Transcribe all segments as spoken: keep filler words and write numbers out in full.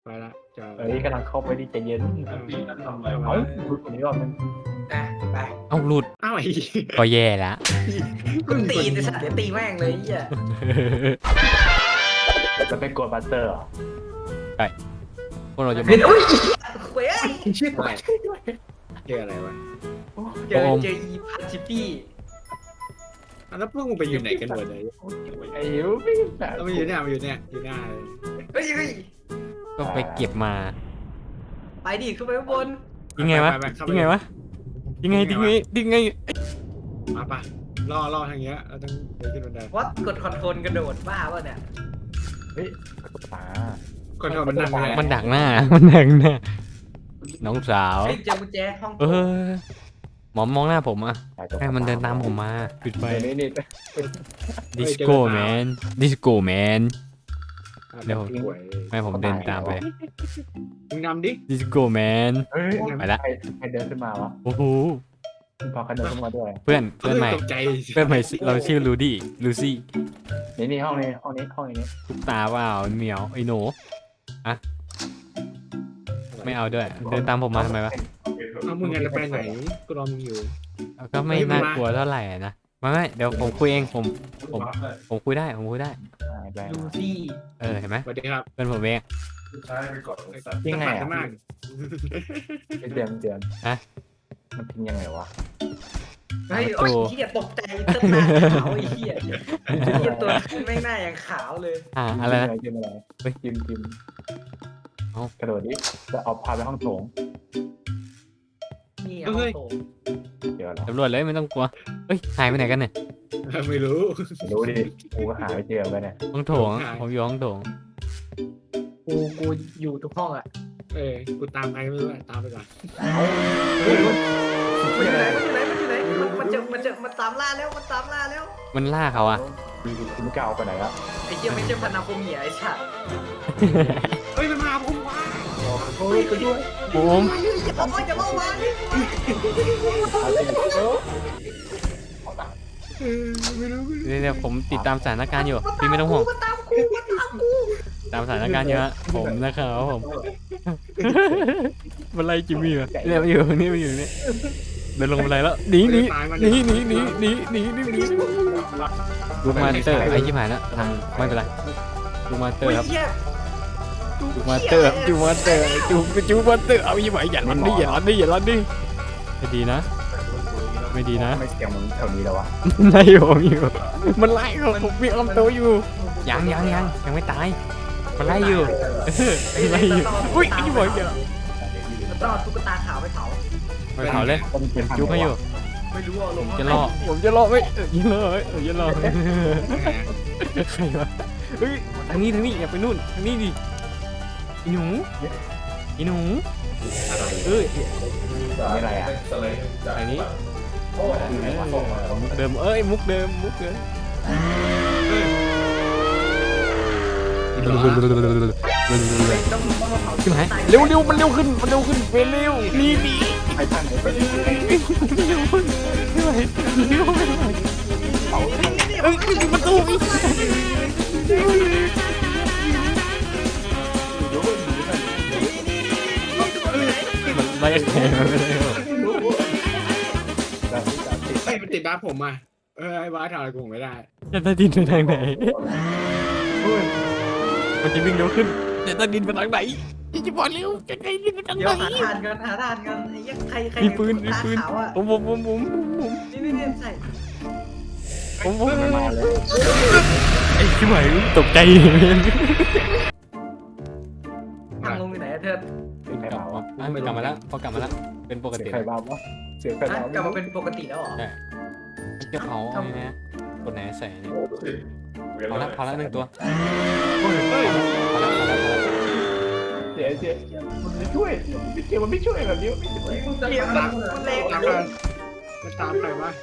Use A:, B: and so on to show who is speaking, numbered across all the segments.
A: ไปละจะ
B: เฮ้ยกำลังเข้าไปดิใจเย็น
C: ปีนั้นทำอะไร
B: เอ้าว
C: ะ
B: หลุดคนนี้รอบนึง
D: อ่ะไป
E: เอาหลุด
A: อ้าวไอ้
E: ก็แย่ละ
D: กูตีไอ้สัตว์เดี๋ยวตีแม่งเลยไอ้เหี้ย
B: แล้วไปกดบัตเตอร์เหรอ
E: พวกเราจะ
D: เห็นอุ้ยเว้ย
B: ชื่อ
A: อะไรเจออะไรวะ
D: เจอเจออีพันชิปปี้
A: อ่ะแล้วพวกมึงไปอยู่ไหนกันหมดเลย
B: ไอ้ยูไม่แบบ
A: แล้วมันอยู่เนี่ยมันอยู่เนี่ยอยู่หน้าเลย
D: เฮ้ยเฮ้ย
E: ก็ไปเก็บมา
D: ไปดิขึ้นไปข้างบน
E: ยังไงวะ
A: ปปเข้าป
E: ยังไงวะยังไงยังไงยังไง
A: มาปะล่อล่อทางเงี้ยเราต้องเดินขึ้นบันได
D: วัดกดคอนโทรลกระโดดบ้าป่ะเนี่ย
B: เฮ้ยตา
A: ก่อนทำมันนั่งเลย
E: มันดักหน้ามันดักหน้าน้องสาว
D: เฮ้ยเจอกุญแจห้อง
E: เออหมอมมองหน้าผมอ่ะให้มันเดินตามผมมาปิดไฟ
B: ไปนี่นี่
E: ดิสโก้แมนดิสโก้แมน เดี๋ยว
A: สวย
E: ให้ผมเดินตามไป
A: มึงนำดิ
E: ดิสโก้แมน
B: เฮ้ย
E: ไปละ
B: ใครใครเดินขึ้นมาวะ
E: โอ้โห
B: พอใครเดินขึ้นมาด้วย
E: เพื่อนเพื่อนใหม่
A: ตกใจ
E: เพื่อนใหม่เราชื่อลูดี้ลูซี่
B: นี่นี่ห้องนี้ห้องนี้ห้องนี้
E: ทุกตาเปล่าเหมียวไอ้หนูอะไม่เอาด้วย เดินตามผมมาทำไมวะ
A: เอามึงไงจะไปไหนกูรอมึงอยู่
E: ก็ไม่น่ากลัวเท่าไหร่นะไม่ไม่เดี๋ยวผมคุยเองผม ผม ผมคุยได้ผมคุยได้
B: อ่าไป
D: ดูซี่
E: เออเห็นไหม
A: สวัสดีครับ
E: เพื่อนผมเอง
C: ใช่ไปกดสัตว์
B: ยังไง
A: จะ
B: อ่ะ
A: มาก
B: ไม่เตือนไม่เตือนมันทิ้งยังไงวะ
D: เฮ้ยโอ้ยเหี้ยตกใจเต้นหน้าขาวไอ้เหี้ยเหี้ยตัวไม่งหน้าอย่างขาวเลย
E: อ่าอะไรนะ
B: จิ้มอะไร
E: เฮ้ย
B: จิ้มจิ้ม
E: เอ้า
B: กระโดดดิจะเอาพาไปห้องโถง
D: นี่ห้องโถง
B: เดี๋ยวเหรอ
E: ตำรวจเลยไม่ต้องกลัวเฮ้ยหายไปไหนกันเนี่ย
A: ไม่รู้
B: รู้ดิกูก็หาไม่เจอไปเนี่ย
E: ห้องโถงผมอยู่ห้องโถง
D: กูกูอยู่ทุกห้องอ่ะ
A: เออกูตามใครไม่รู้อะตามไปก่อน
D: มันอยู่ไหนมันอยู่ไหนมันอยู่ไหนมันมันจะมันจะมันตามล่าแล้วมันตามล่าแล้ว
E: มันล่าเขาอะ
B: คุณไม่กล้าเอาไปไหนละ
D: ไอ้เหี้ยไม่ใช่พันนาโคเมียไอ้สัตว์
A: เฮ้ยมันมาผมว่า
B: โอ้ยไปด้วย
E: ผม
D: อย่าบอกว่าอย่าบอกว่า
A: เออไม่รู้
E: เดี๋ยวผมติดตามสถานการณ์อยู่พี่ไม่ต้องห่วง
D: มันตามกูมันตามกู
E: ตามสถานการณ์อยู่ฮะผมนะครับผมมันไล่จิมมี่มาเนี่ยมาอยู่นี่มาอยู่นี่เดินลงบันไดแล้วหนีหนีหนีหนีหนีหนีหนีหนีหนีลูกมาสเตอร์ไอ้ชิบหายแล้วทางไม่เป็นไรลูกมาสเตอร์ครับ
D: เหี้ย
E: จูมาสเตอร์จูมาสเตอร์จูจูมาสเตอร์เอายี่หมายอย่าลันดิอย่าลันดิอย่าลันดิไม่ดีนะ ไม่ดีนะ
B: ไม่เสียงมึงแถวนี้แล้ววะ
E: ไล่ผมอยู่มันไล่ผมผมมีคำโตอยู่ยังยังยังยังไม่ตายมันไล่อยู่ไล่อยู่อุ้ยไอ้ยี่หมายอย่า
D: มันต้องเอาตุ๊กตาขาวไปเผา
E: ไปเผาเลย
B: มันเป็น
E: ยุบให้อยู่
D: ไม่รู้อ่ะลง
E: จะรอผมจะรอไว้เออยิงเลยเออยิงเลยใครวะเฮ้ยทางนี้ทางนี้อย่าไปนู่นทางนี้ดิอีหนูอีหนูเอ้ย
B: ไม่อะไรอ่ะ
C: สไลด์
E: อันนี้
C: โอ้ยส่งมา
E: มุกเดิมเอ้ยมุกเดิมมุกเดิม
D: ต้องต้องมาเผา
E: ขึ้นไหมเร็วเร็วมันเร็วขึ้นมันเร็วขึ้นเวรเร็วนี่นี่
B: ไอ้ท่านไหนไป
E: เร็วไม่ไหวเร็วไม่ไหวเอ้ยปิดประตูอีกมันไล่แข่งมาเลย
A: ไอ้มันติดบ้านผมอ่ะเออไอ้บ้าทำอะไรกูไม่ได้
E: จะตาดินไปทางไหนมันจะวิ่งเร็วขึ้นจะตาดินไปทางไหนจะบอกเร็วจะไงดินไปทาง
D: เดี๋
E: ไห
D: ยวน หาทานกันหาทานกันไอ้ยังใครใคร
E: มีปืนมีปืน
D: ขาวอ่ะ
E: ผมผมผมผมผม
D: นี่นี่นี่ใส่
E: ผมผม
B: มาเลย
E: ไอ้ชิบหายตกใจ
D: ทางลงอยู่ไหนอะเธอ
B: เป็นใครบ้าวะ
E: อ่ะกลับมาแล้วพอกลับมาแล้วเป็นปก
B: เสีย
E: ติ
B: งใครบ้าวะเสียงใคร
D: อ่ะ
B: บ้าว
D: กลับมาเป็นปกติแล้วเหรอ
E: จะเผาไอ้นะกดไหนใส่เนี่ย
C: พ
E: พอละพอละหนึ่งตัว
A: เฮ้ย
E: พอละพอละพอละ
B: เสียเสียมันไม่ช่วยเสียมันไม่ช่วยแบบนี้ไม่ช่วย
D: เรียกมันมันเร็ว
A: ตามกันมันตามใครวะ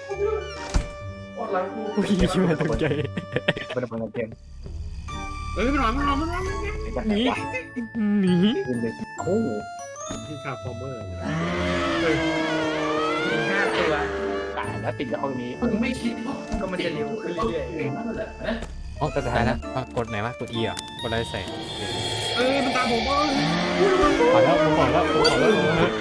E: อุ้ยชิบหายตกใจ
B: เป็นเป็นเกม
A: เฮ้ยมันมามันมามันมา
E: หนีหนี
B: โอ้
A: ที่คาฟอร์เมอร์
D: มีห้าตัว
B: ตายแล้วติดจากห้องนี้
C: ไม่คิดว่า
D: ก็มันจะเร็วขึ้นเรื่อย
E: อ๋อตายแล้วกดไหนวะกด E อ่ะกดอะไรใส่
A: เอ้ยมันตามผมเอ้ย
E: ขอแล้วผมขอแล้วผมขอแล้ว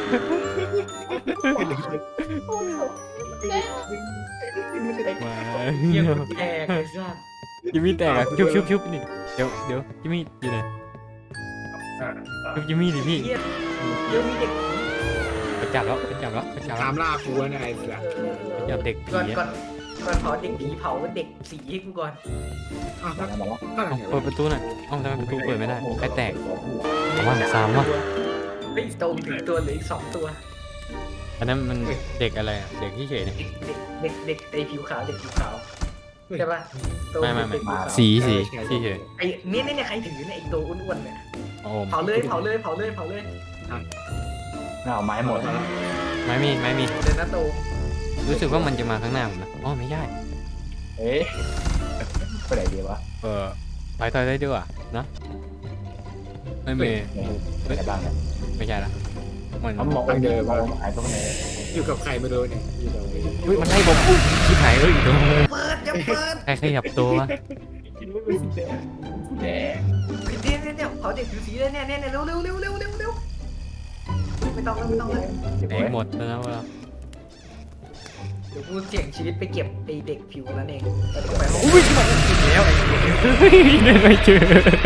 E: มา
D: เยี่ยมแตกไอ้สัส
E: จิมมี่แตกอ่ะชุบชุบชุบนี่เดี๋ยวเดี๋ยวจิมมี่อยู่ไหนชุบจิมมี่ดิพี่
D: เยี่ยมเดี๋ยวมีเด็ก
E: ไปจับแล้วไปจับแล้วไปจับแล้
A: ตาว มล่ากูนะไอ้เสือ
D: เออเออ
E: จับเด็กผี
D: ก่อน
E: อะ
D: ก่อนก่อนเผาเด็กผีเผาเด็กสีให้กูก่อน
A: อ้าว
B: มาแล้วมาแล้ว
A: ก็
E: เอ้า
A: ไหน
E: เปิดประตูหน่อยเอ้าทำไมประตูเปิดไม่ได้ใครแตกว่างซ้ำวะ
D: เฮ้ยโตถึงตัวเหลืออีกสองตัว
E: อันนั้นมันเด็กอะไรอะเด็กที่เฉยเนี่ย
D: เด็กเด็กเด็กไอผิวขาวเด็กผิวขาวใช่ปะโต
E: ไม่ไม่ไม่
D: เด็กผิวขาว
E: สีสีที่เฉย
D: ไอเนี่ยเนี่ยเนี่ยใครถือเนี่ยไอโตอ้วนๆเนี่ย
E: โอ้
D: เผาเลยเผาเลยเผาเลยเผาเลย
B: เอาไม้หมด
E: ไม่มีไม่มี
D: เดินนะโต
E: รู้สึกว่ามันจะมาข้างหน้าผมนะอ๋อไม่ใช่
B: เอ๊ะไปไหนดีวะ
E: เออไปต่อยได้ด้วยนะไม่มี
B: ไปไหนบ้างเนี่ย
E: ไม่ใช่ละมัน
B: เขามองเดิมมองหายตรงไหน
A: อยู่กับใครไม่รู้เนี่ยอยู่กับ
E: อุ้ยมันไล่ผมชิบหายเอ้ยโดน
D: เปิดจะเปิด
E: ใครขยับตัววะ
B: คิดว่าเป็นสีแดงสีแดง
D: เนี่ยเนี่ยเนี่ยเผาเด็กผิวสีเลยเนี่ยเนี่ยเนี่ยเร็วเร็วเร็วเร็วเร็วเร็วไม่ต้องแล้วไม่ต้องแล้ว
E: แตกหมดแล้วนะเวลา
D: เดี๋ยวกูเสี่ยงชีวิตไปเก็บไอเด็กผิวนั้นเองแล้วเดี๋ยวไปห้อง
E: อุ้ยมาแล้วไอ้เฮ้ยเดินไม่เจอ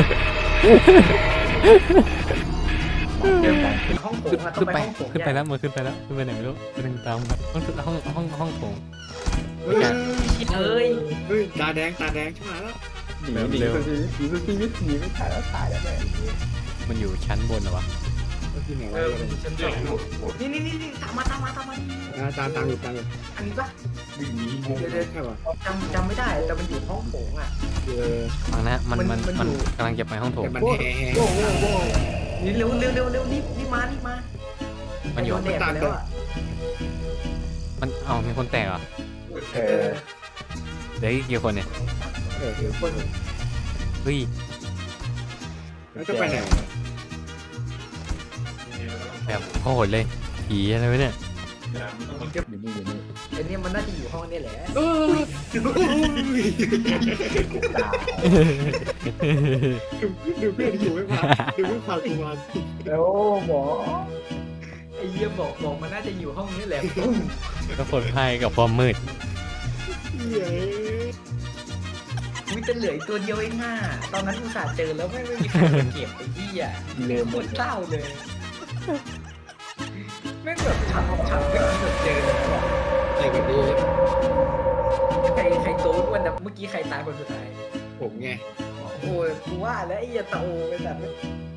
D: เดินไปห้องโถงอะต้อ
E: ขึ้
D: ง
E: น
D: ไป
E: ไป
D: ห้องโถง
E: ขึ้นไปแล้วมันขึ้นไปแล้วขึ้นไปไหนไม่รู้ไปทางตามไปห้องห้องห้องห้องโถง
A: เฮ้ย
D: เอ้ย
A: เฮ้ยตาแดงตาแดงใช่ไหมแล้ว
B: หนีหนีสุดชีวิตหนีสุดชีวิตหนีไม่ถ่ายแล้วถ่ายแล้วแม่
E: มันอยู่ชั้นบนเหรอวะ
A: ก็ที่ไหน
D: เอ
A: วะ
D: อฉันสองนี่นี่นี่นี่ตามมาตามมาตามมา
A: อ่าตามตามอยู่ตามอยู่
D: อันนี้ปะ
C: วิ่งหนีงง
D: เดี๋ยวเดี๋ยว
A: ใช่ป่ะ
D: จำจำไม่ได้แต่มันอยู่ห้องโถงอ่ะ
A: เออ
E: ฟังนะมันมัน
D: มัน
E: มัน
D: อยู่
E: กำลังจะไปห้องโถง
A: แต่มันแห่แห่
B: โว้โว้โว้
D: นี่เร็วเร็วเร็วเร็วรีบรีบมารีบมา
E: มันอยู่
D: โดนแดดไปแล้วอ่ะ
E: มันเอ้ามีคนแตกเหรอ
B: เออ
E: เหลืออีกกี่คนเนี่ย
A: เออคือคน
E: เฮ้ย
A: แล้วจะไปไหน
E: แบบโคตรเลยผีอะไรวะเนี่ย
B: อยู่นี่อยู่นี่
D: ไอ้เนี่ยมันน่าจะอยู่ห้องนี่แหละ
A: เออ
B: ตาย
A: ดูดูเพื่อนอยู่ไม่พาดูเพื่อนพากูมา
B: แล้วหมอ
D: ไอ้เหี้ยบอกบอกมันน่าจะอยู่ห้องนี้แหละ
E: ก็ผลภัยกับความมืด
A: เย้
D: มีแต่เหลืออีกตัวเดียวเองอ่ะตอนนั้นอุตส่าห์เจอแล้วไม่ไม่มีใครมาเก็บไอ้เหี้ย
B: ลืม
D: โค
B: หมด
D: ตรเศร้าเลยแม่งแบบฉับฉับไม่คิดแบบเจอเลยนะ
A: ไอ้กันดี
D: ใครใครโตอ้วนแต่เมื่อกี้ใครตายคนสุดท้าย
A: ผมไง
D: โอ้ยกูว่าแล้วไอ้เหี้ยตาโอไปแบบ